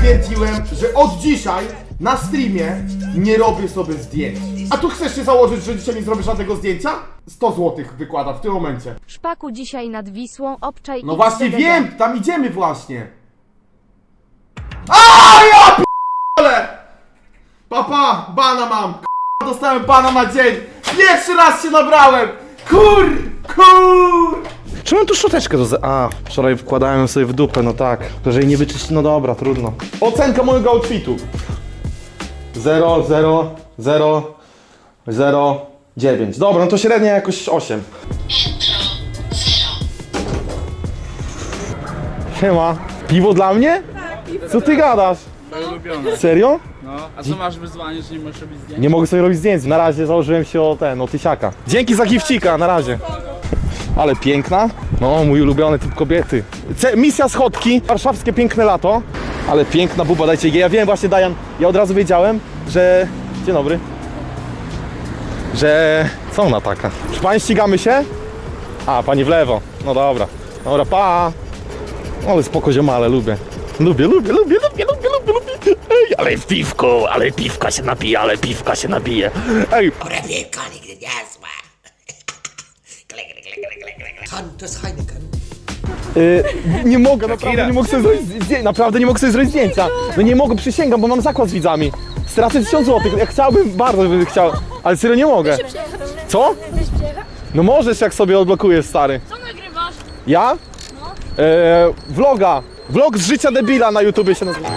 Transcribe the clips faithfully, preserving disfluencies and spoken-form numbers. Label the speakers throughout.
Speaker 1: stwierdziłem, że od dzisiaj na streamie nie robię sobie zdjęć. A tu chcesz się założyć, że dzisiaj nie zrobię żadnego zdjęcia? sto złotych wykłada w tym momencie.
Speaker 2: Szpaku dzisiaj nad Wisłą, obczaj.
Speaker 1: No
Speaker 2: i
Speaker 1: właśnie
Speaker 2: D D D.
Speaker 1: wiem, tam idziemy właśnie. A ja p***le! Papa, bana mam. K***a, dostałem bana na dzień. Pierwszy raz się nabrałem. Kur, kur.
Speaker 3: Czy mam tu szczoteczkę do... A, wczoraj wkładałem ją sobie w dupę, no tak. Jeżeli nie wyczyści, no dobra, trudno. Ocenka mojego outfitu. zero, zero, zero, zero, dziewięć. Dobra, no to średnia jakoś osiem. Siema. Piwo dla mnie? Co ty gadasz?
Speaker 4: Moje ulubione.
Speaker 3: Serio?
Speaker 4: No, a co masz wyzwanie, że nie możesz robić zdjęć?
Speaker 3: Nie mogę sobie robić zdjęć. Na razie założyłem się o ten, o tysiaka. Dzięki za gifcika, na razie. Ale piękna. No, mój ulubiony typ kobiety. Ce misja schodki. Warszawskie piękne lato. Ale piękna buba, dajcie jej. Ja wiem właśnie, Dajan, ja od razu wiedziałem, że... Dzień dobry. Że... Co ona taka? Czy pani ścigamy się? A, pani w lewo. No dobra. Dobra, pa. Ale spoko ziomale, lubię. Lubię, lubię, lubię, lubię, lubię, lubię, lubię. Ej, ale piwko, ale piwka się napije, ale piwka się napije. Ej.
Speaker 5: Dobre piwko nigdy nie złe. Klik, klik, klik, klik, klik. Han, to jest Heineken.
Speaker 3: Yy, nie mogę, naprawdę nie mogę sobie zrobić zdjęcia. Naprawdę nie mogę sobie zrobić zdjęcia. No nie mogę, przysięgam, bo mam zakład z widzami. Stracę tysiąc złotych. Ja chciałbym, bardzo bym chciał, ale serio nie mogę. Co? No możesz, jak sobie odblokujesz, stary.
Speaker 6: Co nagrywasz?
Speaker 3: Ja? No. Yy, vloga. Vlog z życia debila na YouTubie się nazywa.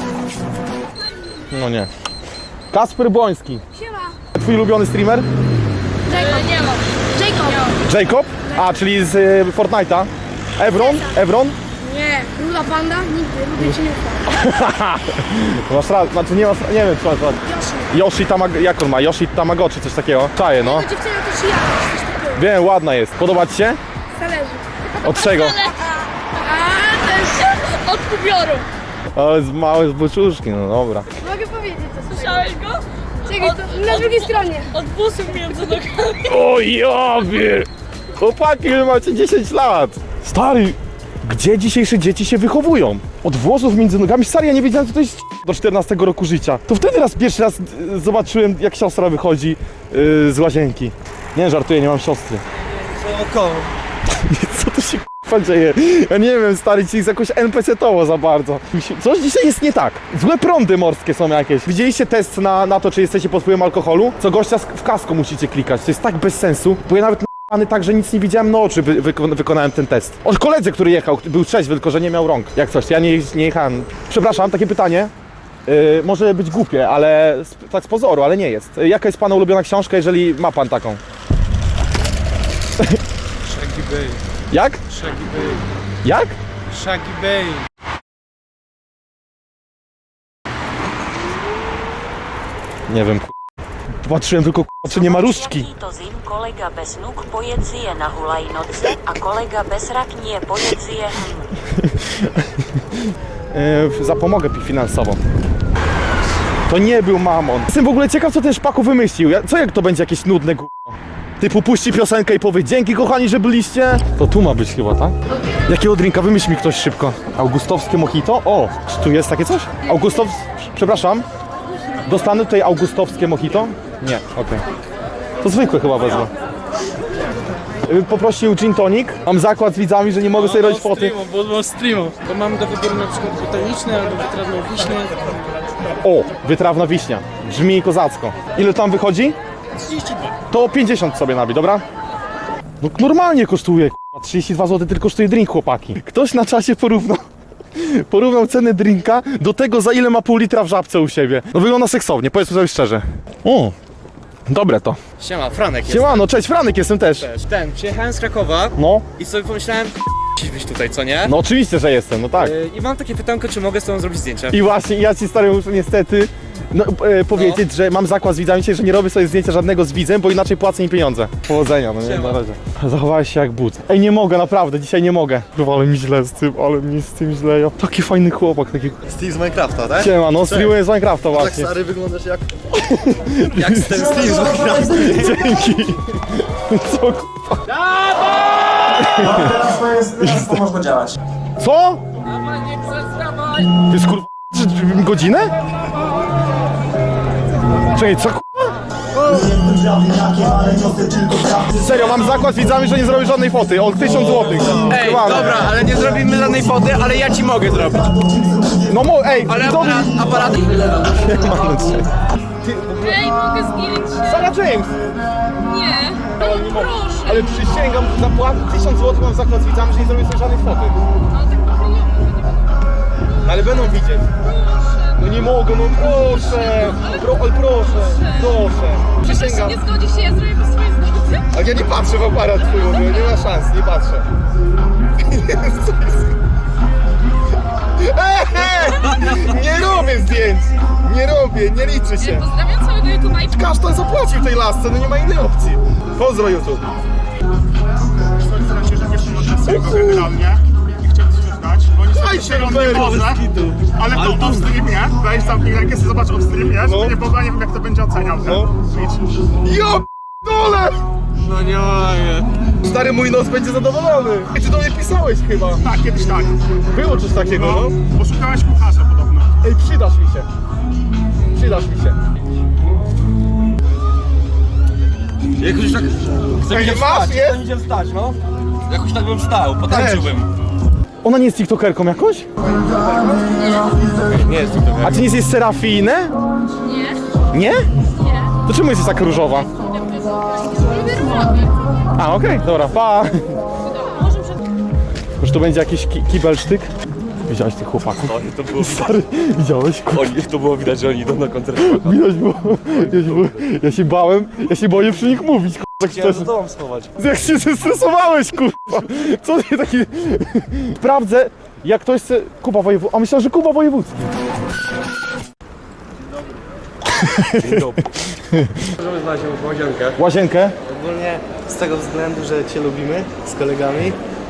Speaker 3: No nie. Kasper Błoński.
Speaker 6: Siema.
Speaker 3: Twój ulubiony streamer?
Speaker 6: Jacob. Nie mam. Jacob.
Speaker 3: Jacob? A, czyli z y, Fortnite'a. Evron? Evron?
Speaker 6: Nie. Ruda panda? Nigdy. Lubię cię nie ufam.
Speaker 3: Masz rację, znaczy nie masz, nie wiem czy masz rację. Yoshi Tamag... jak on ma? Yoshi Tamagotchi, coś takiego. Czaję, no.
Speaker 6: To dziewczyna to czy ja? Coś takiego.
Speaker 3: Wiem, ładna jest. Podoba ci się?
Speaker 6: Zależy.
Speaker 3: Od czego?
Speaker 6: A, to jest od kubioru.
Speaker 3: Ale z małe zboczuszki, no dobra.
Speaker 6: Mogę powiedzieć to.
Speaker 7: Słyszałeś go?
Speaker 6: Czekaj, to na drugiej stronie.
Speaker 7: Od busów między nogami.
Speaker 3: O jobie! Chłopaki, wy macie dziesięć lat. Stary, gdzie dzisiejsze dzieci się wychowują? Od włosów między nogami? Stary, ja nie wiedziałem, co to jest do czternastego roku życia. To wtedy raz pierwszy raz y, zobaczyłem, jak siostra wychodzi y, z łazienki. Nie, żartuję, nie mam siostry.
Speaker 4: Oko.
Speaker 3: Co tu się k***a dzieje? Ja nie wiem, stary, ci jest jakoś en pe ce towo za bardzo. Coś dzisiaj jest nie tak. Złe prądy morskie są jakieś. Widzieliście test na, na to, czy jesteście pod wpływem alkoholu? Co gościa w kasko musicie klikać. To jest tak bez sensu, bo ja nawet na tak, że nic nie widziałem na oczy, wy, wy, wykonałem ten test. O koledze, który jechał, był trzeźwy, tylko że nie miał rąk. Jak coś, ja nie, nie jechałem. Przepraszam, takie pytanie. Yy, może być głupie, ale z, tak z pozoru, ale nie jest. Yy, jaka jest pana ulubiona książka, jeżeli ma pan taką?
Speaker 4: Shaggy Bay.
Speaker 3: Jak?
Speaker 4: Shaggy Bay.
Speaker 3: Jak?
Speaker 4: Shaggy Bay.
Speaker 3: Nie wiem, patrzyłem tylko, czy nie ma różdżki.
Speaker 8: To zim kolega bez nóg pojedzie na hulajnoce, a kolega bez raknie pojedzie.
Speaker 3: Yy, zapomogę finansowo. To nie był mamon. Jestem w ogóle ciekaw, co ten Szpaku wymyślił. Ja, co jak to będzie jakieś nudne g***o? Typu puści piosenkę i powie dzięki kochani, że byliście. To tu ma być chyba, tak? Jakiego drinka? Wymyśl mi ktoś szybko. Augustowskie mojito? O, czy tu jest takie coś? Augustows... Przepraszam. Dostanę tutaj augustowskie mojito? Nie, okej. Okay. To zwykłe chyba wezmę. Poprosił gin tonic. Mam zakład z widzami, że nie mogę sobie robić foty.
Speaker 4: Bo mam streamu. Bo mam do wyboru na przykład botaniczny albo wytrawno-wiśny.
Speaker 3: O, wytrawna wiśnia. Brzmi kozacko. Ile tam wychodzi?
Speaker 4: trzydzieści dwa.
Speaker 3: To pięćdziesiąt sobie nabij, dobra? No normalnie kosztuje, k***a, trzydzieści dwa złote tylko kosztuje drink, chłopaki. Ktoś na czasie porównał, porównał cenę drinka do tego, za ile ma pół litra w żabce u siebie. No wygląda seksownie, powiedzmy sobie szczerze. O, dobre to.
Speaker 4: Siema, Franek jest.
Speaker 3: Siemano, cześć, Franek jestem też.
Speaker 4: Ten, przyjechałem z Krakowa
Speaker 3: No,
Speaker 4: i sobie pomyślałem, musisz być tutaj, co nie?
Speaker 3: no oczywiście, że jestem, no tak.
Speaker 4: Yy, I mam takie pytanko, czy mogę z tobą zrobić zdjęcie?
Speaker 3: I właśnie, ja ci stary muszę niestety no, e, powiedzieć, że mam zakład z widzami dzisiaj, że nie robię sobie zdjęcia żadnego z widzem, bo inaczej płacę im pieniądze. Powodzenia, no nie,
Speaker 4: Siema.
Speaker 3: na razie. Zachowałeś się jak but. Ej, nie mogę, naprawdę, dzisiaj nie mogę. Kurwa, ale mi źle z tym, ale mi z tym źle. Ja, taki fajny chłopak, taki...
Speaker 9: Steve z Minecrafta, tak?
Speaker 3: Siema, no streamuję z Minecrafta
Speaker 9: Tak
Speaker 3: właśnie.
Speaker 9: stary wyglądasz jak... jak ten Steve z Minecrafta.
Speaker 3: Dzięki. Co kurwa?
Speaker 9: Teraz to jest... Teraz to można działać.
Speaker 3: Co? Ty skur... godzinę? Czekaj, co k***a? Serio, mam zakład z widzami, że nie zrobię żadnej foty. O tysiąc złotych.
Speaker 9: Ej, dobra, ale nie zrobimy żadnej foty, ale ja ci mogę zrobić.
Speaker 3: No mo, ej,
Speaker 9: Ale
Speaker 3: widzowie-
Speaker 9: aparat, aparat...
Speaker 6: Ej, mogę zdjęć?
Speaker 3: Sarah James!
Speaker 6: Nie.
Speaker 3: Ale nie mogę.
Speaker 6: Proszę.
Speaker 3: Ale przysięgam, zapłacę tysiąc złotych, mam zakład z widzami, że nie zrobię sobie żadnej foty.
Speaker 6: No tak
Speaker 3: No, ale będą widzieć. No nie mogę, no proszę. Pro, ale proszę, proszę. Przysięgam.
Speaker 6: Nie zgodzi się, ja zrobię bez swojej zgody.
Speaker 3: A ja nie patrzę w aparat twój, bo nie ma szans, nie patrzę. Eee, nie robię zdjęć! Nie robię, nie liczy się.
Speaker 6: Pozdrawiam całego YouTube'a i
Speaker 3: Kasztan zapłacił tej lasce, no nie ma innej opcji. Pozdro YouTube.
Speaker 10: Staram się, że nie szło go generalnie i chciałem coś przyznać, bo niestety się on nie może, ale to off streamie, weź zamknij rękę, sobie zobacz off streamie, żeby nie było, nie wiem jak to będzie oceniał ten Twitch.
Speaker 3: Jo dole!
Speaker 9: No nie mogę.
Speaker 3: Stary, mój nos będzie zadowolony. Ty do mnie pisałeś chyba.
Speaker 10: Tak, kiedyś tak.
Speaker 3: Było coś takiego, no?
Speaker 10: No, bo szukałeś kucharza podobno.
Speaker 3: Ej, przydasz mi się. Przydasz mi się.
Speaker 9: Jakoś tak... Chcę
Speaker 3: Ej,
Speaker 9: mi się
Speaker 3: masz,
Speaker 9: wstać,
Speaker 3: jest?
Speaker 9: chcę mi się wstać, no. Jakoś tak bym wstał, potańczyłbym.
Speaker 3: Ona nie jest tiktokerką jakąś?
Speaker 9: Nie jest to
Speaker 3: A ty nie jesteś Serafinę?
Speaker 6: Nie.
Speaker 3: Nie?
Speaker 6: Nie.
Speaker 3: To czemu jesteś tak różowa?
Speaker 6: Lubię różowy.
Speaker 3: A, okej, dobra, pa.
Speaker 6: Może przed...
Speaker 3: Już to będzie jakiś ki kibelsztyk? Widziałeś tych chłopaków?
Speaker 9: To było,
Speaker 3: Stary, widziałeś?
Speaker 9: oni, to było widać, że oni idą na koncert.
Speaker 3: Widać było. Ja się, było- ja się bałem, ja się boję przy nich mówić, k***a, tak
Speaker 9: Chciałem
Speaker 3: szczerze.
Speaker 9: za tobą schować.
Speaker 3: Jak się zestresowałeś, kurwa! Co ty taki... Sprawdzę, jak ktoś chce... Kuba Wojewódzki... A myślałem, że Kuba Wojewódzki.
Speaker 9: Dzień dobry. Możemy znaleźć jakąś łazienkę.
Speaker 3: Łazienkę?
Speaker 11: Ogólnie z tego względu, że Cię lubimy z kolegami, yy,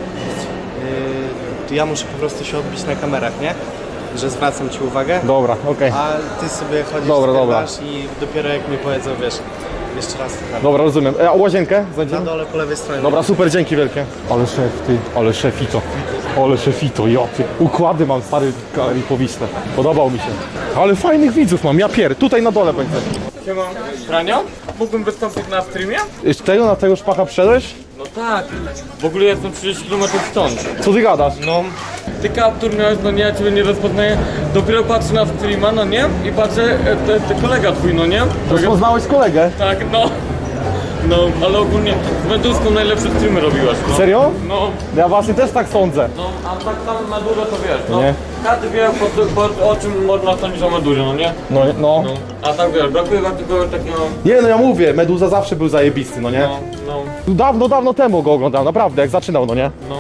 Speaker 11: to ja muszę po prostu się odbić na kamerach, nie? Że zwracam Ci uwagę,
Speaker 3: Dobra, okej.
Speaker 11: a Ty sobie chodzisz,
Speaker 3: Dobra, dobra.
Speaker 11: skrywasz i dopiero jak mi powiedzą, wiesz, jeszcze raz to tam.
Speaker 3: Dobra, rozumiem. E, a łazienkę?
Speaker 11: Na
Speaker 3: Znajdziemy?
Speaker 11: dole po lewej stronie.
Speaker 3: Dobra, super, dzięki wielkie. Ale szef, ty, ale szefito. Ale szefito, ja ty. Układy mam, stary, i powiśle. Podobał mi się. Ale fajnych widzów mam, ja pier. Tutaj na dole będzie.
Speaker 4: Siema. Franio? Mógłbym wystąpić na streamie?
Speaker 3: Z tego na tego szpacha wszedłeś?
Speaker 4: No tak. W ogóle jestem trzydzieści kilometrów stąd.
Speaker 3: Co ty gadasz?
Speaker 4: No. Ty kaptur miałeś, no nie, ja ciebie nie rozpoznaję. Dopiero patrzę na streama, no nie? I patrzę, e, te, te kolega twój, no nie?
Speaker 3: Rozpoznałeś kolegę?
Speaker 4: Tak, no. No, ale ogólnie z Meduską najlepsze streamy robiłaś, no.
Speaker 3: Serio?
Speaker 4: No,
Speaker 3: Ja właśnie też tak sądzę.
Speaker 4: no, a tak samo Medurę to wiesz, no.
Speaker 3: Nie.
Speaker 4: Każdy wie, po, po, o czym można sądzić o Medurze, no nie?
Speaker 3: No, no.
Speaker 4: No. A tak wiesz, brakuje wam tylko takiego,
Speaker 3: Nie, no ja mówię, Meduza zawsze był zajebisty, no nie?
Speaker 4: no, no,
Speaker 3: Dawno, dawno temu go oglądałem, naprawdę, jak zaczynał, no nie?
Speaker 4: no,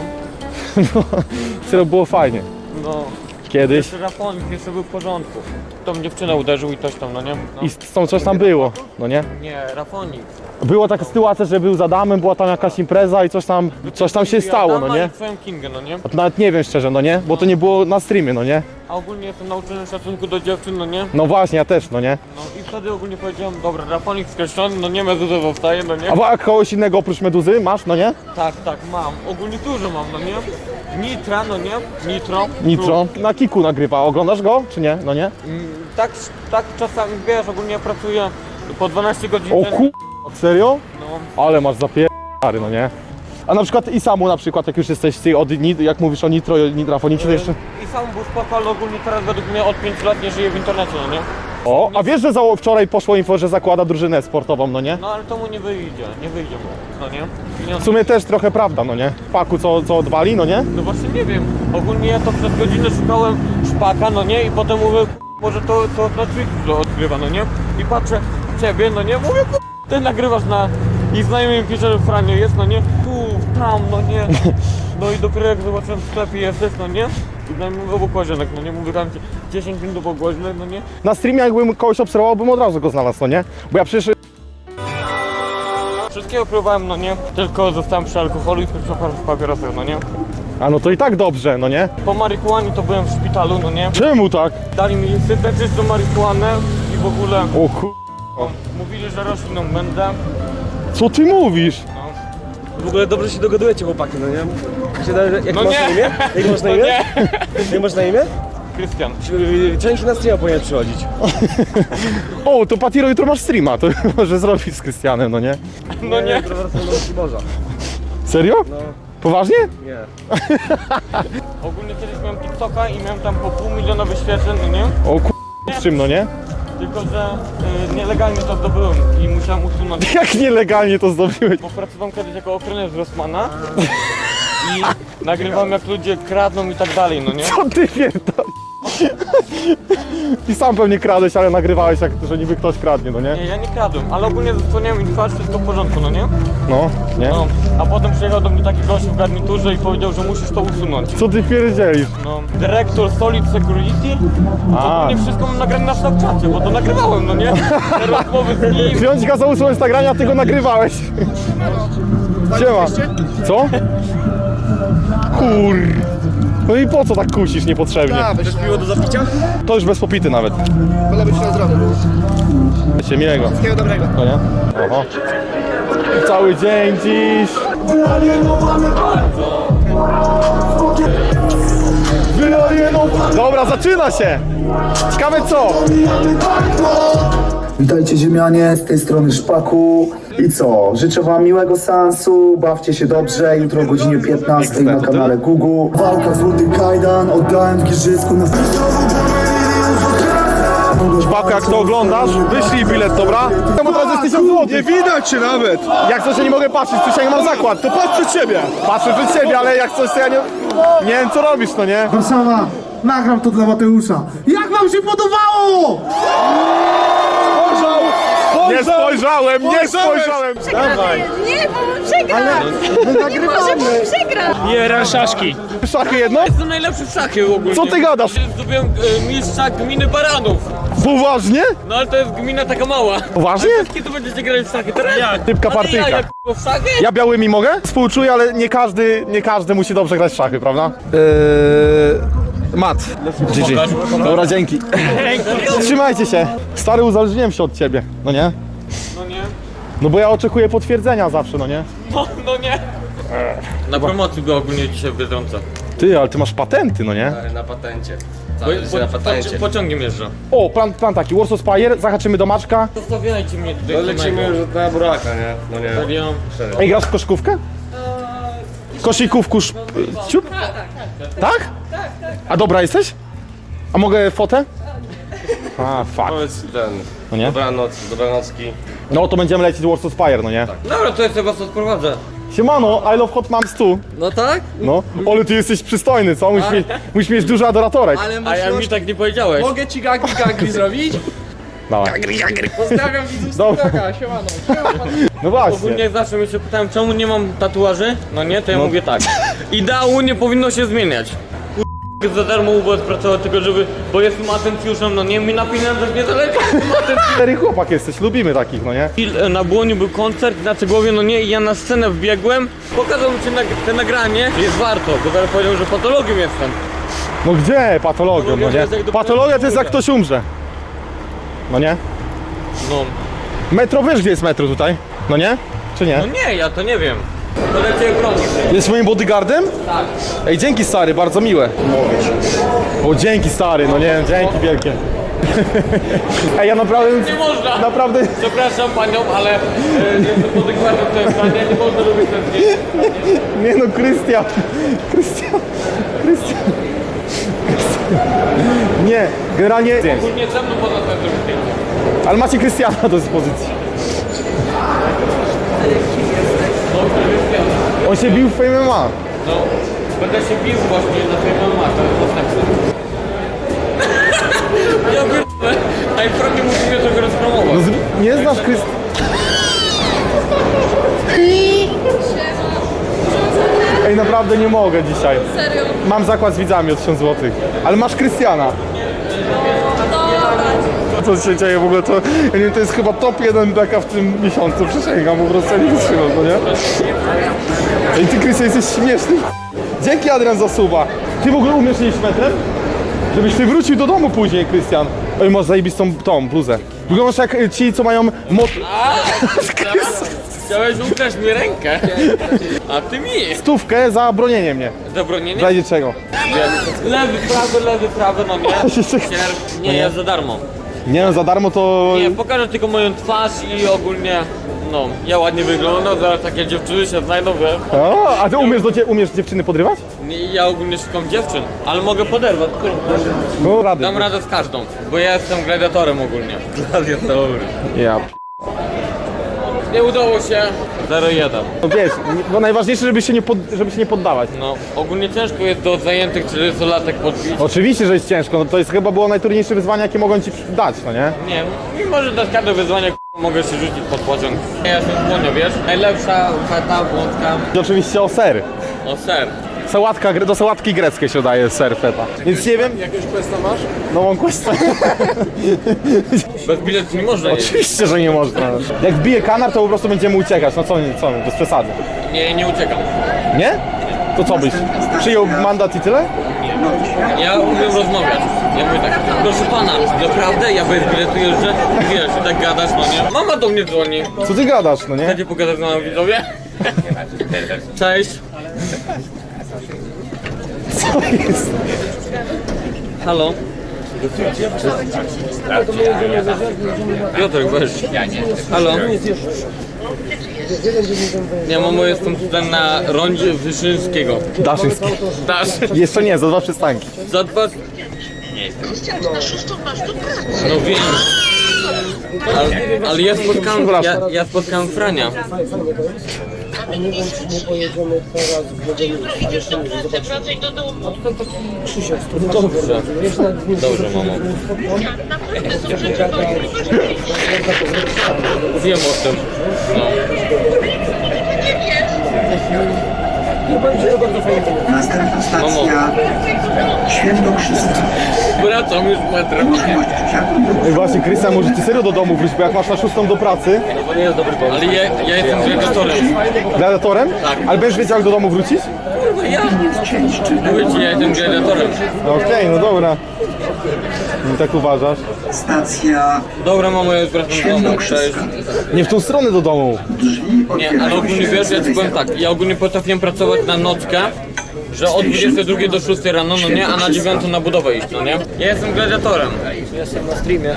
Speaker 3: Serio, było fajnie.
Speaker 4: no.
Speaker 3: Kiedyś.
Speaker 4: Jeszcze Rafonik jeszcze był w porządku. Tą dziewczynę uderzył i coś tam, no nie? No.
Speaker 3: I z tą coś tam było, no nie?
Speaker 4: Nie, Rafonik.
Speaker 3: Była taka sytuacja, że był z Adamem, była tam jakaś impreza i coś tam, coś tam się stało, no nie?
Speaker 4: I twoją Kingę, no nie?
Speaker 3: A to nawet nie wiem szczerze, no nie? Bo to nie było na streamie, no nie?
Speaker 4: A ogólnie jestem nauczony szacunku do dziewczyn, no nie?
Speaker 3: No właśnie, ja też, no nie?
Speaker 4: No i wtedy ogólnie powiedziałem, dobra, Rafonik skreślony, no nie, Meduza zostaje, no nie?
Speaker 3: A wa- kogoś innego oprócz Meduzy masz, no nie?
Speaker 4: Tak, tak, mam. Ogólnie dużo mam, no nie? Nitra, no nie? Nitro.
Speaker 3: Nitro. Na Kiku nagrywa, oglądasz go, czy nie? No nie?
Speaker 4: Mm, Tak, tak czasami, wiesz, ogólnie pracuję po dwanaście godzin.
Speaker 3: O
Speaker 4: dziennie.
Speaker 3: ku... Serio?
Speaker 4: No,
Speaker 3: Ale masz zapier... no nie? A na przykład i samu na przykład, jak już jesteś ty od nit, jak mówisz o Nitro i Nitrafonicie, to jeszcze...
Speaker 4: I sam był spoko, ale ogólnie teraz według mnie od pięciu lat nie żyje w internecie, no nie?
Speaker 3: O, a wiesz, że za... wczoraj poszło info, że zakłada drużynę sportową, no nie?
Speaker 4: No ale to mu nie wyjdzie, nie wyjdzie mu, no nie?
Speaker 3: W
Speaker 4: Pieniądze.
Speaker 3: sumie też trochę prawda, no nie? Paku co, co odwali, no nie?
Speaker 4: No właśnie nie wiem, ogólnie ja to przez godzinę szukałem szpaka, no nie? I potem mówię, może to, to na Twitchu odgrywa, no nie? I patrzę ciebie, no nie? Mówię, ty nagrywasz na... I znajomy mi pisze, że Franio jest, no nie? Tu, tam, no nie? No i dopiero jak zobaczyłem w sklepie jesteś, no nie? I znajomy mówię, obok łazienek, no nie? Mówię tam dziesięć minut obok łazienek, no nie?
Speaker 3: Na streamie jakbym kogoś obserwował, bym od razu go znalazł, no nie? Bo ja przecież...
Speaker 4: Wszystkiego próbowałem, no nie? Tylko zostałem przy alkoholu i przy papierosach, no nie?
Speaker 3: A no to i tak dobrze, no nie?
Speaker 4: Po marihuanie to byłem w szpitalu, no nie?
Speaker 3: Czemu tak?
Speaker 4: Dali mi syntetyczną marihuanę i w ogóle
Speaker 3: O ku...
Speaker 4: mówili, że rośliną będę.
Speaker 3: Co ty mówisz?
Speaker 9: W ogóle dobrze się dogadujecie, chłopaki, no nie? Jak, się da, jak
Speaker 4: No
Speaker 9: masz
Speaker 4: nie.
Speaker 9: na imię? Jak masz na
Speaker 4: No
Speaker 9: imię?
Speaker 4: nie,
Speaker 9: Jak masz na imię?
Speaker 4: Krystian.
Speaker 11: Część na streama powinien przychodzić.
Speaker 3: O, to Patiro jutro masz streama, to może zrobić z Krystianem, no nie?
Speaker 4: No nie.
Speaker 11: Morza.
Speaker 3: Serio? No. Poważnie?
Speaker 11: Nie.
Speaker 4: Ogólnie kiedyś miałem TikToka i miałem tam po pół miliona wyświetleń, no nie?
Speaker 3: O ku... z czym, no nie?
Speaker 4: Tylko, że y, nielegalnie to zdobyłem i musiałem usunąć.
Speaker 3: Jak nielegalnie to zdobyłeś?
Speaker 4: Bo pracowałem kiedyś jako ochroniarz Rossmana i nagrywam jak ludzie kradną i tak dalej, no nie?
Speaker 3: Co ty pierdol? I sam pewnie kradłeś, ale nagrywałeś, jak, że niby ktoś kradnie, no nie?
Speaker 4: Nie, ja nie kradłem, ale ogólnie zasłoniłem im twarz, wszystko w porządku, no nie?
Speaker 3: No, nie?
Speaker 4: No, a potem przyjechał do mnie taki gość w garniturze i powiedział, że musisz to usunąć.
Speaker 3: Co ty pierdzielisz?
Speaker 4: No, dyrektor Solid Security,
Speaker 3: A.
Speaker 4: ogólnie wszystko mam nagrane na Snapchacie, bo to nagrywałem, no nie? Te rozmowy z nim.
Speaker 3: Wziąć kazał usunąć nagrania, a ty go nagrywałeś. Siema. Co? Kur... No i po co tak kusisz niepotrzebnie?
Speaker 11: Chcesz piwo do zapicia?
Speaker 3: To już bez popity nawet.
Speaker 11: Wolę być na zdrowie.
Speaker 3: Się miłego.
Speaker 11: Wszystkiego dobrego.
Speaker 3: No nie? Oho. Cały dzień dziś. Dobra, zaczyna się. Ciekawe co?
Speaker 12: Witajcie ziemianie, z tej strony Szpaku. I co? Życzę wam miłego seansu, bawcie się dobrze, jutro o godzinie piętnastej na kanale Gugu. Walka złoty kajdan, oddałem w Giżycku na...
Speaker 3: Szpaku, jak to oglądasz, wyślij bilet, dobra? Temu teraz jest tysiąc złotych. Nie widać się nawet. Jak coś, ja nie mogę patrzeć, tu się mam zakład. To patrz przed siebie. Patrzę przed siebie, ale jak coś, to ja nie... Nie wiem co robisz, no nie?
Speaker 12: Warszawa, nagram to dla Mateusza. Jak wam się podobało?
Speaker 3: Nie spojrzałem, nie spojrzałem. Dawaj.
Speaker 6: Nie, bo przegra! Nie może, bo przegra!
Speaker 4: Nie, szaszki.
Speaker 3: Szachy jedno?
Speaker 4: Jestem najlepszy w szachy ogólnie.
Speaker 3: Co ty gadasz?
Speaker 4: Zdobyłem e, mistrza gminy Baranów.
Speaker 3: Poważnie?
Speaker 4: No ale to jest gmina taka mała.
Speaker 3: Poważnie?
Speaker 4: Kiedy będziecie grać w szachy? Teraz? Ja.
Speaker 3: Typka partyjka.
Speaker 4: Ja, jak w szachy?
Speaker 3: Ja białymi mogę? Współczuję, ale nie każdy, nie każdy musi dobrze grać w szachy, prawda? Eee, mat. G G. Dobra, dzięki. Trzymajcie się. Stary, uzależniłem się od ciebie, no nie?
Speaker 4: No nie.
Speaker 3: No bo ja oczekuję potwierdzenia zawsze, no nie?
Speaker 4: No, no nie. Na promocji była ogólnie dzisiaj w Biedronce.
Speaker 3: Ty, ale ty masz patenty, no nie?
Speaker 11: Na patencie.
Speaker 4: Bo,
Speaker 11: Cały życie na
Speaker 4: po,
Speaker 11: patencie.
Speaker 4: pociągiem jeżdżę.
Speaker 3: O, plan, plan taki, Warsaw Spire, zahaczymy do Maczka.
Speaker 4: Zostawiajcie mnie tutaj.
Speaker 11: No lecimy już na buraka, nie? No nie.
Speaker 4: Serio?
Speaker 3: Ej, grasz w koszykówkę? Koszykówku, sz... ciup? Tak? A dobra jesteś? A mogę fotę? A, fuck.
Speaker 11: Powiedz ten.
Speaker 3: No nie?
Speaker 11: Dobranoc, dobranocki.
Speaker 3: No to będziemy lecieć Warsaw Spire, no nie?
Speaker 4: Dobra, to ja sobie was odprowadzę.
Speaker 3: Siemano, I love hot moms tu.
Speaker 7: No tak?
Speaker 3: No, ale ty jesteś przystojny, co? Musisz mieć, musisz mieć dużo adoratorek.
Speaker 7: Ale
Speaker 4: A ja mi tak nie powiedziałeś.
Speaker 7: Mogę ci gagli gagli zrobić?
Speaker 3: Dawaj.
Speaker 7: Pozdrawiam widzów z
Speaker 3: Dobra.
Speaker 7: TikToka, siemano.
Speaker 3: No właśnie.
Speaker 4: Ogólnie zawsze mnie się pytałem, czemu nie mam tatuaży? No nie, to ja
Speaker 3: No.
Speaker 4: mówię tak. Ideału nie powinno się zmieniać. Kur... za darmo U B S pracował tylko żeby, bo jestem atencjuszem, no nie, mi na pieniądzach nie zależy, jestem atencjuszem.
Speaker 3: Cztery chłopak jesteś, lubimy takich, no nie?
Speaker 4: I na Błoniu był koncert na Cegłowie, no nie, i ja na scenę wbiegłem, pokazał mi się nag te nagranie, jest warto, bo zaraz powiedział, że patologiem jestem.
Speaker 3: No gdzie patologią, no nie? Patologia to jest jak ktoś umrze. No nie?
Speaker 4: No.
Speaker 3: Metro, wiesz gdzie jest metro tutaj? No nie? Czy nie?
Speaker 4: No nie, ja to nie wiem. To lecię bronić.
Speaker 3: Jest moim bodyguardem?
Speaker 4: Tak.
Speaker 3: Ej, dzięki stary, bardzo miłe. O, dzięki stary, no nie, dzięki wielkie. Ej, ja naprawdę...
Speaker 4: Nie można.
Speaker 3: Naprawdę...
Speaker 4: Przepraszam panią, ale e, jestem podykładem w tym stanie, nie można robić ten zdjęć.
Speaker 3: Nie no, Krystian. Krystian. Krystian. Nie, generalnie...
Speaker 4: Ogólnie ze mną można sobie zrobić zdjęcie.
Speaker 3: Ale macie Krystiana do dyspozycji. On się bił w Fame M M A.
Speaker 4: No, będę się bił właśnie na tej mamaka, to jest następne. Ja pierdolę, a i prawnie musimy tego rozpromować.
Speaker 3: No, z- nie znasz Krystiana. Ej, naprawdę nie mogę dzisiaj.
Speaker 6: Serio?
Speaker 3: Mam zakład z widzami o tysiąc złotych. Ale masz Krystiana. Co się dzieje w ogóle, to, ja nie wiem, to jest chyba top jeden beka w tym miesiącu, przysięgam, po prostu ja nie wytrzymam, no nie? Ej, ty Krystian jesteś śmieszny. Dzięki Adrian za suba. Ty w ogóle umiesz jeść metrem? Żebyś ty wrócił do domu później, Krystian. Ej, masz zajebistą tą bluzę. Wyglądasz jak y, ci, co mają mot...
Speaker 4: Chciałeś ukraść mi rękę, a ty mi.
Speaker 3: Stówkę za bronienie mnie.
Speaker 4: Zabronienie?
Speaker 3: W razie czego?
Speaker 4: Lewy, prawy, lewy, prawy, no nie? Sierp, nie, ja za darmo.
Speaker 3: Nie no, za darmo to...
Speaker 4: Nie, pokażę tylko moją twarz i ogólnie, no, ja ładnie wyglądam, zaraz takie dziewczyny się znajdą, wiesz?
Speaker 3: O, a ty umiesz, do dzie- umiesz dziewczyny podrywać?
Speaker 4: Nie, ja ogólnie szukam dziewczyn, ale mogę poderwać, którą chcesz?
Speaker 3: No rady.
Speaker 4: Dam radę z każdą, bo ja jestem gladiatorem ogólnie. Gladiator.
Speaker 3: Ja p...
Speaker 4: Nie udało się. zero jeden.
Speaker 3: No wiesz, nie- bo najważniejsze, żeby się nie, pod, żeby się nie poddawać.
Speaker 4: No, ogólnie ciężko jest do zajętych czterdziestolatek podbić.
Speaker 3: Oczywiście, że jest ciężko, no to jest chyba było najtrudniejsze wyzwanie, jakie mogą ci dać, no nie?
Speaker 4: Nie, mimo że dać każde wyzwanie, k***a, mogę się rzucić pod pociąg. Ja jestem słonio, wiesz? Najlepsza feta, włodka.
Speaker 3: I oczywiście o ser.
Speaker 4: O ser.
Speaker 3: Sałatka, gre- do sałatki greckiej się daje ser feta. Więc nie wiem...
Speaker 7: Jakiegoś questa masz?
Speaker 3: No mam questa.
Speaker 4: Bez biletu nie można jeść.
Speaker 3: Oczywiście, że nie można. Jak wbije kanar, to po prostu będziemy uciekać. No co, co, bez przesady.
Speaker 4: Nie, nie uciekam.
Speaker 3: Nie? To co byś? Przyjął mandat i tyle?
Speaker 4: Ja umiem rozmawiać. Ja mówię tak, proszę pana, naprawdę? Ja bez biletu jeżdżę? I wiesz, i tak gadasz, no nie? Mama do mnie dzwoni.
Speaker 3: Co ty gadasz, no nie?
Speaker 4: Chcecie pogadać z nami, widzowie? Cześć.
Speaker 3: Co jest?
Speaker 4: Halo? Piotrek, weź. Halo? Nie, mamo, jestem tutaj na rondzie Wyszyńskiego.
Speaker 3: Daszyński.
Speaker 4: Dasz?
Speaker 3: Jeszcze nie, za dwa przystanki.
Speaker 4: Za dwa... No wiem. Ale, ale ja spotkałem, ja, ja spotkałem Frania. Dobrze. Dobrze, mamo. Wiem o tym. No.
Speaker 12: Następna
Speaker 4: stacja
Speaker 12: Świętokrzyska.
Speaker 4: Wracam już metrem.
Speaker 3: No i właśnie, Krystian, może ty serio do domu wróć, bo jak masz na szóstą do pracy...
Speaker 4: To nie jest dobry pomysł. Ale ja, ja jestem gladiatorem.
Speaker 3: Gladiatorem?
Speaker 4: Tak.
Speaker 3: Ale będziesz wiedział, jak do domu wrócić?
Speaker 4: Kurwa, ja? Mówię ci, ja jestem gladiatorem.
Speaker 3: Okej, no dobra. Nie tak uważasz?
Speaker 12: Stacja
Speaker 4: Dobra, mamo, ja już wracam do domu. Cześć.
Speaker 3: Nie w tą stronę do domu.
Speaker 4: Nie, ale ogólnie wiesz, ja ci powiem tak, ja ogólnie potrafiłem pracować na nockę, że od dwudziestej drugiej do szóstej rano, no nie, a na dziewiątą na budowę iść, no nie? Ja jestem gladiatorem. Jestem na streamie.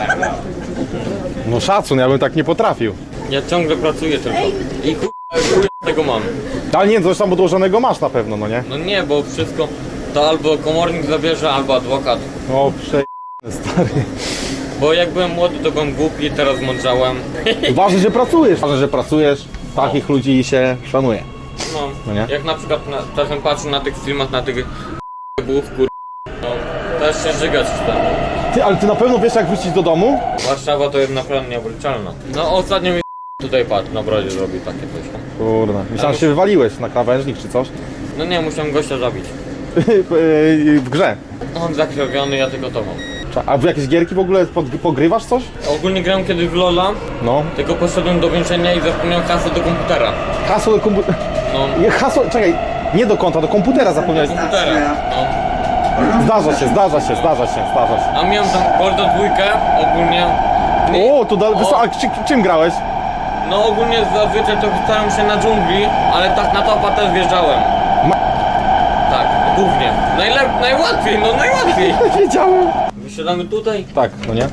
Speaker 3: No szacun, ja bym tak nie potrafił.
Speaker 4: Ja ciągle pracuję tylko. I chuj, chuj tego mam.
Speaker 3: Ale nie, coś tam odłożonego masz na pewno, no nie?
Speaker 4: No nie, bo wszystko to albo komornik zabierze, albo adwokat.
Speaker 3: O, prze... stary.
Speaker 4: Bo jak byłem młody, to byłem głupi, teraz mądrzałem.
Speaker 3: Ważne, że pracujesz. Ważne, że pracujesz. Takich ludzi się szanuje.
Speaker 4: No,
Speaker 3: No nie?
Speaker 4: jak na przykład na, czasem patrzę na tych filmach, na tych bów, kur... No, też się żygać chce.
Speaker 3: Ty, ale ty na pewno wiesz, jak wrócić do domu?
Speaker 4: Warszawa to jest naprawdę nieobliczalna. No ostatnio mi tutaj patrz, na brodzie zrobił takie coś.
Speaker 3: Kurde, myślałem, że się wywaliłeś na krawężnik czy coś.
Speaker 4: No nie, musiałem gościa zabić.
Speaker 3: W grze.
Speaker 4: On zakrwawiony, ja tylko to mam.
Speaker 3: A w jakieś gierki w ogóle pod, pogrywasz coś?
Speaker 4: Ogólnie grałem kiedyś w Lola,
Speaker 3: No.
Speaker 4: tylko poszedłem do więzienia i zapomniałem hasło do komputera.
Speaker 3: Hasło do komputera.
Speaker 4: No,
Speaker 3: Hasło, czekaj, nie do konta, do komputera zapomniałeś.
Speaker 4: komputera. No.
Speaker 3: Zdarza się, zdarza się, zdarza się, zdarza się.
Speaker 4: A miałem tam Gordo dwójkę, ogólnie.
Speaker 3: O, to da, wysoko, a czy, czym grałeś?
Speaker 4: No ogólnie zazwyczaj to starałem się na dżungli, ale tak na topa też wjeżdżałem. Tak, głównie. Najlep najłatwiej, no najłatwiej.
Speaker 3: Wiedziałem.
Speaker 4: Wysiadamy tutaj.
Speaker 3: Tak, no nie?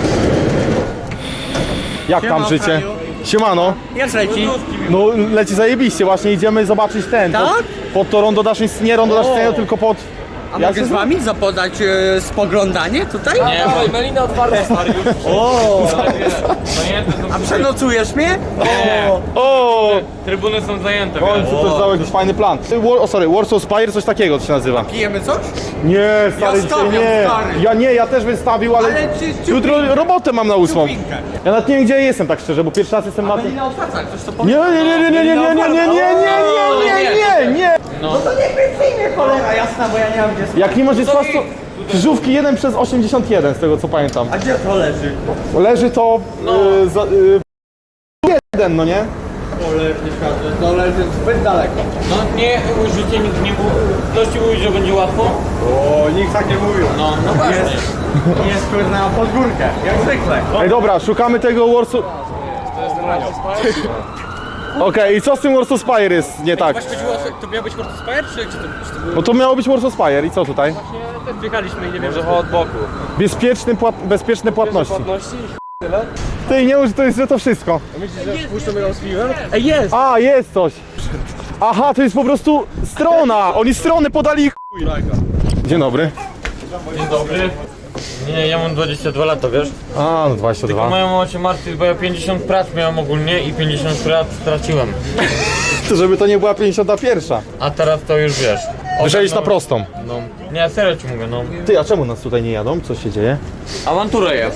Speaker 3: Jak tam życie? Siemano.
Speaker 9: Jak leci?
Speaker 3: No leci zajebiście, właśnie idziemy zobaczyć ten.
Speaker 9: Tak?
Speaker 3: Pod, pod to rondo Daszyńskiego, nie rondo Daszyńskiego, tylko pod...
Speaker 9: A
Speaker 3: jak
Speaker 9: mogę
Speaker 3: się
Speaker 9: z wami zapodać e, spoglądanie tutaj?
Speaker 4: Nie, bo melina otwarte stary już.
Speaker 9: O!
Speaker 4: Zajęte
Speaker 9: A przenocujesz mnie?
Speaker 4: Nie,
Speaker 3: O!
Speaker 4: trybuny są zajęte,
Speaker 3: W
Speaker 4: wiesz.
Speaker 3: końcu też dał jakiś fajny plan. War, o sorry, Warsaw Spire, coś takiego to się nazywa.
Speaker 9: Pijemy coś?
Speaker 3: Nie, stary,
Speaker 9: Ja
Speaker 3: dzisiaj
Speaker 9: stawiam,
Speaker 3: nie.
Speaker 9: stary.
Speaker 3: Ja nie, ja też bym stawił, ale,
Speaker 9: Ale czy-
Speaker 3: jutro robotę mam na ósmą.
Speaker 9: Ciupinkę.
Speaker 3: Ja nawet nie wiem, gdzie jestem, tak szczerze, bo pierwszy raz jestem na tym.
Speaker 9: Melina otwarta, ktoś to
Speaker 3: Nie, nie, nie, nie, nie, nie, nie, nie, nie, nie, nie, nie, nie, nie, nie.
Speaker 4: No,
Speaker 9: To niech mnie przyjmie cholera jasna, bo ja nie mam gdzie.
Speaker 3: Jak nie masz jest to krzyżówki jeden przez osiemdziesiąt jeden, z tego co pamiętam.
Speaker 9: A gdzie to leży?
Speaker 3: Leży to y, za, y, jeden, no nie?
Speaker 9: To leży zbyt daleko.
Speaker 4: no nie, życie nikt nie mówił. Ktoś ci mówi, że będzie łatwo?
Speaker 9: O, nikt tak nie mówił.
Speaker 4: No, no właśnie.
Speaker 9: Jest kurna pod górkę, jak zwykle.
Speaker 3: Ej dobra, szukamy tego Warsaw... Okej, i co z tym Warsaw Spire jest nie tak?
Speaker 7: Właśnie chodziło o to, to miał być Fortus Fire, czy, czy, to, czy to było...
Speaker 3: No to miało być Warsaw Spire i co tutaj?
Speaker 7: Właśnie też wjechaliśmy i nie wiem,
Speaker 4: Może
Speaker 7: że
Speaker 4: od boku.
Speaker 3: Bezpieczny płat... bezpieczne płatności.
Speaker 7: płatności.
Speaker 3: Ty nie mów, że to jest, że to wszystko.
Speaker 7: Myślisz, że puszczą ją z piwem? Ej, jest!
Speaker 3: A, jest coś. Aha, to jest po prostu strona. Oni strony podali ich. Dzień dobry.
Speaker 4: Dzień dobry. Nie, ja mam dwadzieścia dwa lata, wiesz?
Speaker 3: A, no dwadzieścia
Speaker 4: Tylko
Speaker 3: dwa.
Speaker 4: moja mama się martwi, bo ja pięćdziesiąt prac miałem ogólnie i pięćdziesiąt prac straciłem.
Speaker 3: To żeby to nie była pięćdziesiąta pierwsza.
Speaker 4: A teraz to już wiesz.
Speaker 3: Wyszedłeś
Speaker 4: no,
Speaker 3: na prostą.
Speaker 4: No. Nie, serio ci mówię, no.
Speaker 3: Ty, a czemu nas tutaj nie jadą? Co się dzieje?
Speaker 4: Awantura jest.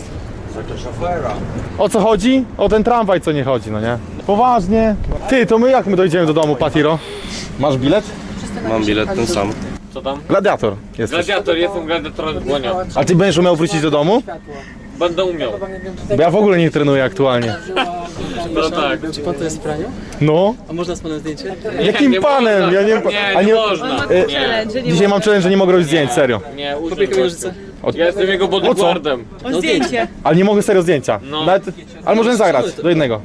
Speaker 3: O co chodzi? O ten tramwaj co nie chodzi, no nie? Poważnie. Ty, to my jak my dojdziemy do domu, Patiro? Masz bilet?
Speaker 11: Mam bilet ten sam.
Speaker 4: Co tam?
Speaker 3: Gladiator jesteś.
Speaker 4: Gladiator, jestem gladiatorem w dłonia.
Speaker 3: A ty będziesz umiał wrócić do domu?
Speaker 4: Będę umiał.
Speaker 3: Bo ja w ogóle nie trenuję aktualnie.
Speaker 4: No tak.
Speaker 7: Czy pan to jest w praniu?
Speaker 3: No.
Speaker 7: A można z panem zdjęcie?
Speaker 3: Jakim
Speaker 4: nie
Speaker 3: panem?
Speaker 4: można.
Speaker 3: Ja nie,
Speaker 4: Nie,
Speaker 3: a
Speaker 4: nie można.
Speaker 3: E,
Speaker 4: Nie.
Speaker 3: Dzisiaj mam challenge, że nie mogę robić zdjęć, serio.
Speaker 4: Nie, uczę
Speaker 7: Popiekam nożyce.
Speaker 4: Ja jestem jego bodyguardem.
Speaker 7: O zdjęcie!
Speaker 3: Ale nie mogę serio zdjęcia.
Speaker 4: No.
Speaker 3: Nawet, ale możemy zagrać do jednego.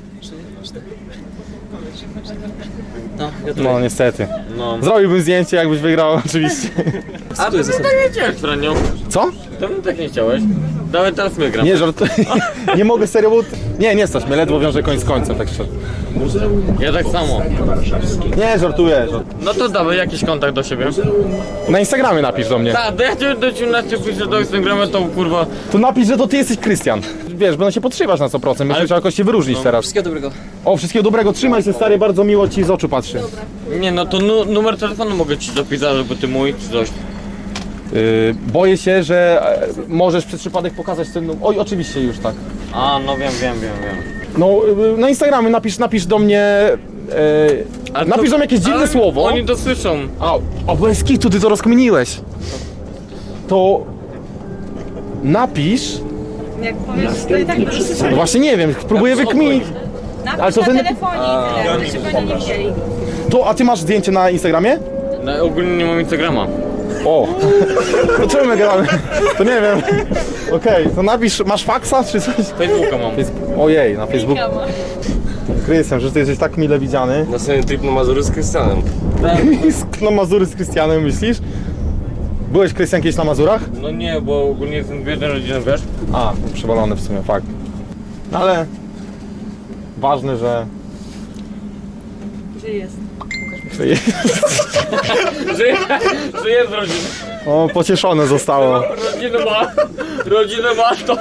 Speaker 7: No, gratuluję.
Speaker 3: No niestety.
Speaker 4: No.
Speaker 3: Zrobiłbym zdjęcie, jakbyś wygrał oczywiście.
Speaker 4: A ty tak nie chciałeś, Franio.
Speaker 3: Co?
Speaker 4: To tak nie chciałeś. Dawaj teraz my gram.
Speaker 3: Nie, żart. Nie mogę serio, bo... Nie, nie stać mnie, ledwo wiążę koń z końcem, tak szczerze.
Speaker 4: Ja tak samo.
Speaker 3: Nie, żartuję. żart-
Speaker 4: No to dawaj jakiś kontakt do siebie.
Speaker 3: Na Instagramie napisz do mnie.
Speaker 4: Tak, do ja cię do ciemności piszę do Instagrama, to kurwa.
Speaker 3: To napisz, że to ty jesteś Krystian. Wiesz, będą się podszywać na sto procent, będziesz musiał jakoś się wyróżnić teraz.
Speaker 7: Wszystkiego dobrego.
Speaker 3: O, wszystkiego dobrego, trzymaj się stary, bardzo miło ci z oczu patrzy.
Speaker 4: Nie no to nu numer telefonu mogę ci zapisać, żeby ty mój czy coś.
Speaker 3: Yy, boję się, że e, możesz przez przypadek pokazać ten... num- Oj, oczywiście już tak.
Speaker 4: A no wiem, wiem, wiem, wiem.
Speaker 3: No, yy, na Instagramie napisz, napisz do mnie... Yy,
Speaker 4: A
Speaker 3: napisz
Speaker 4: to-
Speaker 3: do mnie jakieś dziwne
Speaker 4: ale
Speaker 3: słowo.
Speaker 4: Oni to słyszą.
Speaker 3: A, o, bez kitu, ty to rozkminiłeś. To... Napisz...
Speaker 6: Jak powiesz, to i tak to
Speaker 3: No właśnie nie wiem, próbuję wykminić. Ale to
Speaker 6: na
Speaker 3: ten...
Speaker 6: telefonie i tyle, żeby oni nie widzieli.
Speaker 3: To, a ty masz zdjęcie na Instagramie?
Speaker 4: No, ogólnie nie mam Instagrama.
Speaker 3: O! To czemu my gadamy? To nie wiem. Okej, to napisz, masz faksa czy coś?
Speaker 4: Facebooka mam.
Speaker 3: Face- Ojej, na Facebooku. Krystian, że ty jesteś tak mile widziany.
Speaker 11: Na sobie trip na Mazury z Krystianem.
Speaker 3: Na Mazury z Krystianem, myślisz? Byłeś, Krystian, kiedyś na Mazurach?
Speaker 4: No nie, bo ogólnie jestem w jednej rodzinie, wiesz?
Speaker 3: A, przewalony w sumie, fakt. No ale... Ważne, że...
Speaker 6: Że jest.
Speaker 3: że jest.
Speaker 4: Że, że jest rodzina.
Speaker 3: O, pocieszone zostało.
Speaker 4: Rodzinę ma. Rodzinę ma to.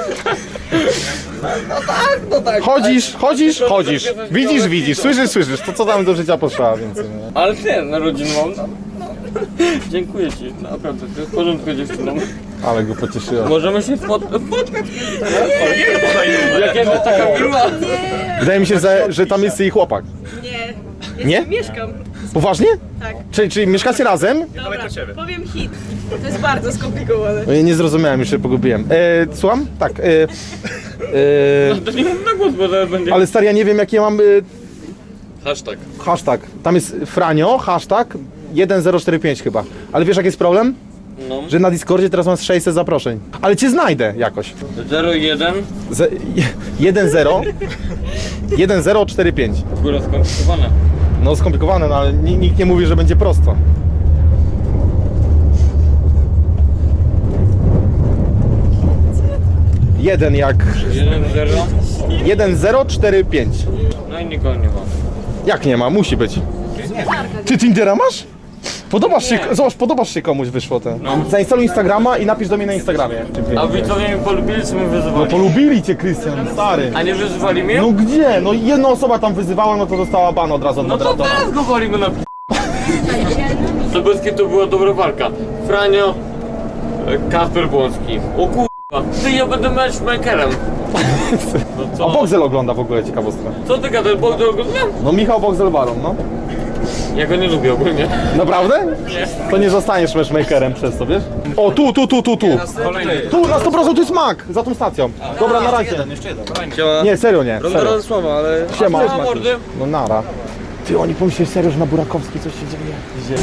Speaker 3: Chodzisz, chodzisz, chodzisz. Widzisz, widzisz, słyszysz, słyszysz. To co tam do życia potrzeba więcej, nie?
Speaker 4: Ale ty, na rodzinę mam. No, no. Dziękuję ci, naprawdę, ty w porządku dziewczyną.
Speaker 3: Ale go pocieszyłem.
Speaker 4: Możemy się spot spotkać? Jak jest taka miła.
Speaker 3: Wydaje mi się, że, że tam jest jej chłopak.
Speaker 6: Nie.
Speaker 3: Nie?
Speaker 6: Mieszkam.
Speaker 3: Poważnie?
Speaker 6: Tak.
Speaker 3: Czyli, czyli mieszkacie razem?
Speaker 6: Dobra, powiem hit. To jest bardzo skomplikowane.
Speaker 3: No ja nie zrozumiałem, już się pogubiłem. E, słucham? Tak. E, e,
Speaker 4: To nie mów na głos, bo zaraz będzie.
Speaker 3: ale stary, ja nie wiem jaki ja mam e,
Speaker 4: Hashtag.
Speaker 3: hashtag. Tam jest Franio, hashtag jeden zero cztery pięć chyba. Ale wiesz jaki jest problem?
Speaker 4: No.
Speaker 3: Że na Discordzie teraz mam sześćset zaproszeń. Ale cię znajdę jakoś.
Speaker 4: zero jeden.
Speaker 3: Z, jeden zero jeden zero cztery pięć.
Speaker 4: Góra skomplikowane.
Speaker 3: No skomplikowane, no ale ni- nikt nie mówi, że będzie prosto. Jeden jak...
Speaker 4: jeden zero.
Speaker 3: jeden zero cztery pięć.
Speaker 4: No i nikogo nie ma.
Speaker 3: Jak nie ma? Musi być. Ty Tindera masz? Podobasz się, zobacz, podobasz się komuś wyszło ten. Zainstaluj Instagrama i napisz do mnie na Instagramie.
Speaker 4: A widzowie mnie polubili, czy mnie
Speaker 3: No
Speaker 4: wyzywali?
Speaker 3: polubili cię, Krystian, stary.
Speaker 4: A nie wyzywali mnie?
Speaker 3: No gdzie? No jedna osoba tam wyzywała, no to dostała ban od razu od
Speaker 4: No to
Speaker 3: moderatora.
Speaker 4: teraz go walimy na p***. To bez kitu była dobra walka. Franio, e, Kasper Błąski. O kurwa, ty ja będę matchmakerem. No
Speaker 3: A
Speaker 4: co?
Speaker 3: Boxel ogląda w ogóle, ciekawostka.
Speaker 4: Co ty gadasz, bo go znam?
Speaker 3: No Michał Boxel Baron, no.
Speaker 4: Ja go nie lubię ogólnie.
Speaker 3: Naprawdę? To nie zostaniesz matchmakerem przez to, wiesz? O, tu, tu, tu, tu, tu. Tu, na sto procent tu jest Mac, za tą stacją. Dobra, na razie. Nie, serio nie, serio.
Speaker 11: słowa, ale...
Speaker 3: Siema.
Speaker 4: A mordy?
Speaker 3: No nara. Ty, oni pomyśleli serio, że na Burakowskiej coś się dzieje. Gdzie?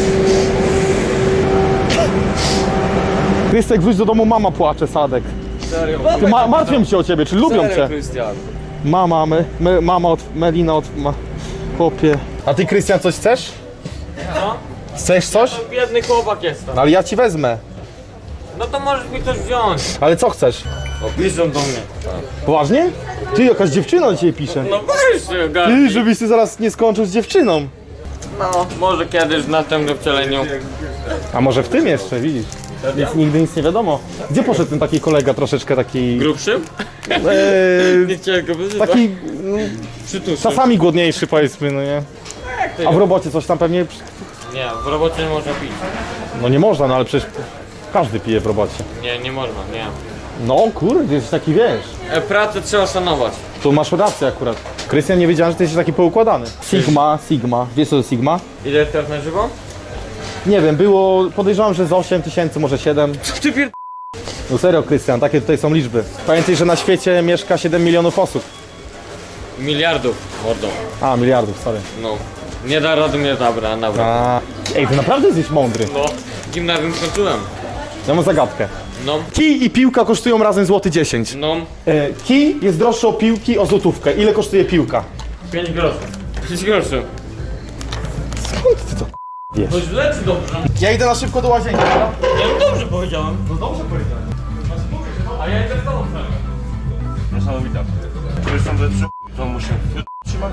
Speaker 3: Krystek, wróć do domu, mama płacze, Sadek.
Speaker 11: Serio.
Speaker 3: Ty, ma, martwią się o ciebie, czy lubią cię?
Speaker 11: Krystian.
Speaker 3: Mama, my, my, mama od, Melina od... Ma, Chłopie. A ty, Krystian, coś chcesz?
Speaker 4: Co?
Speaker 3: Chcesz coś?
Speaker 4: To biedny chłopak jestem.
Speaker 3: No ale ja ci wezmę.
Speaker 4: No to możesz mi coś wziąć.
Speaker 3: Ale co chcesz?
Speaker 4: O, piszą do mnie.
Speaker 3: Poważnie? Ty, jakaś dziewczyna do ciebie pisze.
Speaker 4: No weź się,
Speaker 3: Ty,
Speaker 4: ogarnij.
Speaker 3: żebyś ty zaraz nie skończył z dziewczyną.
Speaker 4: No, może kiedyś w następnym wcieleniu.
Speaker 3: A może w tym jeszcze, widzisz? Nic, nigdy nic nie wiadomo. Gdzie poszedł ten taki kolega troszeczkę taki...
Speaker 4: Grubszy?
Speaker 3: Eee,
Speaker 4: Nie chciałem go wyzywać.
Speaker 3: taki no,
Speaker 4: Przytuszy.
Speaker 3: czasami głodniejszy, powiedzmy, no nie? A w robocie coś tam pewnie...
Speaker 4: Nie, w robocie nie można pić.
Speaker 3: No nie można, no ale przecież każdy pije w robocie.
Speaker 4: Nie, nie można, nie.
Speaker 3: No kurde, jesteś taki, wiesz.
Speaker 4: E, pracę trzeba szanować.
Speaker 3: Tu masz rację akurat. Krystian, nie wiedziałem, że ty jesteś taki poukładany. Sigma, Sigma. Wiesz co to Sigma?
Speaker 4: Ile jest teraz na żywo?
Speaker 3: Nie wiem, było... Podejrzewam, że z osiem tysięcy, może siedem.
Speaker 4: Ty pier...
Speaker 3: No serio, Krystian, takie tutaj są liczby. Pamiętaj, że na świecie mieszka siedem milionów osób.
Speaker 4: Miliardów, mordą.
Speaker 3: A, miliardów, sorry.
Speaker 4: No. Nie da rady mnie zabra, naprawdę.
Speaker 3: A... Ej, ty naprawdę jesteś mądry.
Speaker 4: No. Gimnazjum skończyłem.
Speaker 3: Ja mam zagadkę.
Speaker 4: No.
Speaker 3: Kij i piłka kosztują razem złoty dziesięć.
Speaker 4: No.
Speaker 3: E, kij jest droższy od piłki o złotówkę. Ile kosztuje piłka?
Speaker 4: Pięć groszy. Pięć groszy.
Speaker 3: Skąd ty to wiesz?
Speaker 4: To źle czy dobrze?
Speaker 3: Ja idę na szybko do łazienki, dobra?
Speaker 4: Ja no dobrze powiedziałem.
Speaker 3: No dobrze powiedziałem.
Speaker 4: A ja idę z tobą wcale.
Speaker 10: Niesamowite. Zresztą ze trzy, to muszę trzymać.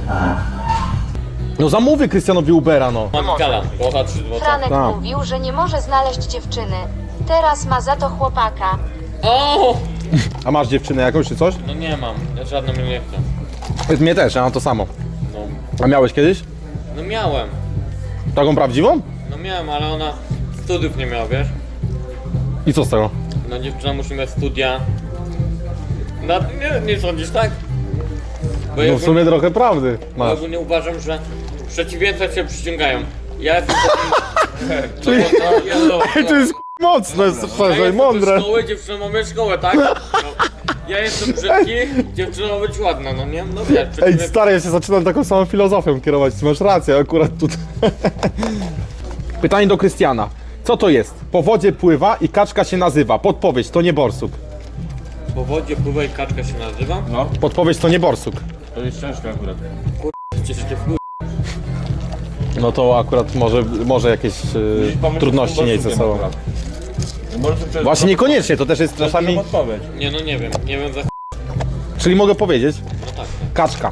Speaker 3: No zamówię Krystianowi Ubera, no.
Speaker 4: Mam gala, bota trzy złote.
Speaker 2: Franek
Speaker 3: Tak.
Speaker 2: mówił, że nie może znaleźć dziewczyny. Teraz ma za to chłopaka.
Speaker 4: O!
Speaker 3: A masz dziewczynę jakąś czy coś?
Speaker 4: No nie mam, ja żadną mnie nie chcę.
Speaker 3: Mnie też, ja mam to samo.
Speaker 4: No.
Speaker 3: A miałeś kiedyś?
Speaker 4: No miałem.
Speaker 3: Taką prawdziwą?
Speaker 4: No miałem, ale ona studiów nie miała, wiesz?
Speaker 3: I co z tego?
Speaker 4: No dziewczyna musi mieć studia. No nie, nie sądzisz tak? Bo ja
Speaker 3: No w sumie trochę prawdy
Speaker 4: bo
Speaker 3: masz.
Speaker 4: ja ogólnie uważam, że przeciwieństwa się przyciągają. Ja jestem takim...
Speaker 3: Czyli-
Speaker 4: No, ja, no,
Speaker 3: Ej, to jest mocne,
Speaker 4: ja
Speaker 3: super,
Speaker 4: jestem
Speaker 3: mądre.
Speaker 4: szkołę, dziewczyna ma mieć szkołę, tak? No. Ja jestem brzydki, dziewczyna ma być ładna, no nie? No wiesz,
Speaker 3: Ej,
Speaker 4: przeciwieństwa-
Speaker 3: stary, ja się zaczynam taką samą filozofią kierować, ty masz rację akurat tutaj. Pytanie do Krystiana. Co to jest? Po wodzie pływa i kaczka się nazywa. Podpowiedź, to nie borsuk.
Speaker 4: Po wodzie pływa i kaczka się nazywa? No.
Speaker 3: Podpowiedź, to nie borsuk.
Speaker 10: To jest ciężko akurat.
Speaker 4: Cieszę się w chuj.
Speaker 3: No to akurat może, może jakieś e, trudności mieć ze sobą. Właśnie niekoniecznie, to też jest czasami...
Speaker 10: Odpowiedź.
Speaker 4: Nie no nie wiem, nie wiem za ch...
Speaker 3: Czyli mogę powiedzieć?
Speaker 4: No tak.
Speaker 3: Kaczka.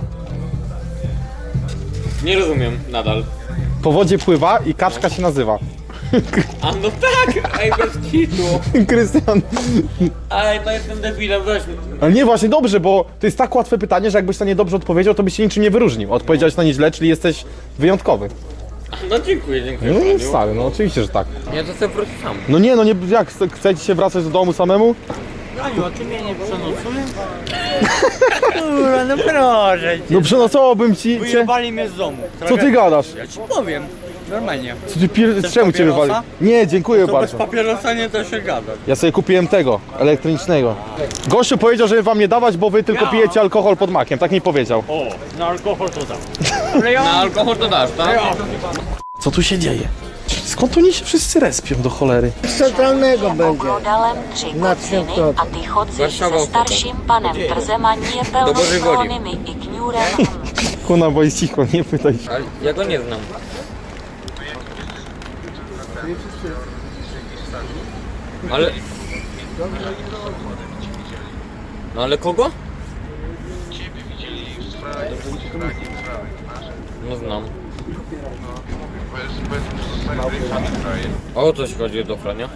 Speaker 4: Nie rozumiem nadal.
Speaker 3: Po wodzie pływa i kaczka się nazywa.
Speaker 4: A no tak! Ej, bez kitu!
Speaker 3: Krystian.
Speaker 4: Ej, no jestem debilem, weź mi.
Speaker 3: Ale nie, właśnie dobrze, bo to jest tak łatwe pytanie, że jakbyś na nie dobrze odpowiedział, to byś się niczym nie wyróżnił. Odpowiedziałeś na nie źle, czyli jesteś wyjątkowy.
Speaker 4: No dziękuję, dziękuję.
Speaker 3: No
Speaker 4: Franiu.
Speaker 3: stary, no oczywiście, że tak.
Speaker 4: Ja to sobie wrócę sam.
Speaker 3: No nie, no nie, jak chce- chcecie się wracać do domu samemu?
Speaker 4: Aniu, a ty mnie nie przenocujesz?
Speaker 7: Kurwa, no proszę cię.
Speaker 3: No przenocowałbym ci cię.
Speaker 7: Wyjebali mnie z domu.
Speaker 3: Co ty gadasz?
Speaker 7: Ja ci powiem. Normalnie.
Speaker 3: Co ty pier... Czemu cię
Speaker 7: papierosa?
Speaker 3: wywali? Nie, dziękuję
Speaker 7: To bez
Speaker 3: bardzo.
Speaker 7: papierosa nie da się gadać.
Speaker 3: Ja sobie kupiłem tego, elektronicznego. Gościu powiedział, żeby wam nie dawać, bo wy tylko pijecie alkohol pod makiem, tak mi powiedział.
Speaker 7: O, na alkohol to dam.
Speaker 4: Na alkohol to dasz, tak?
Speaker 3: Co tu się dzieje? Skąd oni się wszyscy respią do cholery?
Speaker 8: Centralnego będzie. Oglądałem trzy godziny, a ty chodzisz
Speaker 4: Warszawa
Speaker 8: ze starszym panem Trzem, a nie pełnosprawnymi i kniurem.
Speaker 3: Kuna, bo jest cicho, nie pytaj się.
Speaker 4: Ale ja go nie znam. Ale... No ale kogo? No znam. O co się chodzi do Frania?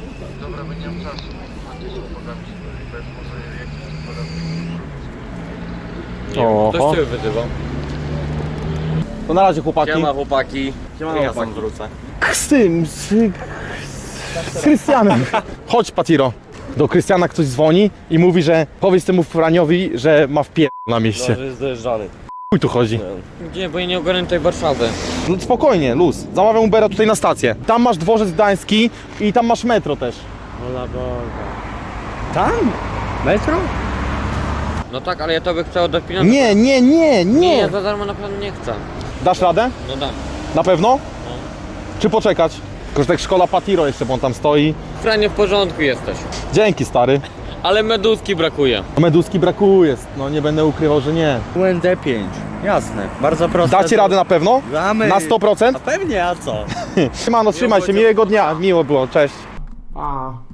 Speaker 4: Nie wiem,
Speaker 3: Oho.
Speaker 4: ktoś cię wyzywał.
Speaker 3: To na razie chłopaki.
Speaker 4: Siema chłopaki.
Speaker 7: Siema, ja sam wrócę.
Speaker 3: Z tym, z, z Krystianem. Chodź, Patiro. Do Krystiana ktoś dzwoni i mówi, że powiedz temu Franiowi, że ma wpier... na mieście.
Speaker 7: jest dojeżdżany.
Speaker 3: Chuj tu chodzi.
Speaker 4: Gdzie, bo ja nie ogarnę tej Warszawy.
Speaker 3: No spokojnie, luz. Zamawiam Ubera tutaj na stację. Tam masz dworzec gdański i tam masz metro też.
Speaker 7: Ola Boga. Tam? Metro?
Speaker 4: No tak, ale ja tobie chcę oddać pieniądze.
Speaker 3: Nie, nie, nie,
Speaker 4: Nie,
Speaker 3: nie.
Speaker 4: ja za darmo na pewno nie chcę.
Speaker 3: Dasz radę?
Speaker 4: No dam.
Speaker 3: Na pewno? Czy poczekać? Tylko, że tak szkola Patiro jeszcze, bo on tam stoi.
Speaker 4: Franie, w porządku jesteś.
Speaker 3: Dzięki, stary.
Speaker 4: Ale meduski brakuje.
Speaker 3: Meduski brakuje, no nie będę ukrywał, że nie.
Speaker 7: U N D pięć. Jasne, bardzo proste.
Speaker 3: Dacie radę na pewno?
Speaker 7: Damy.
Speaker 3: Na sto procent?
Speaker 7: A pewnie, a co?
Speaker 3: Siemano, trzymaj się, miłego dnia, miło było, cześć.
Speaker 1: Pa.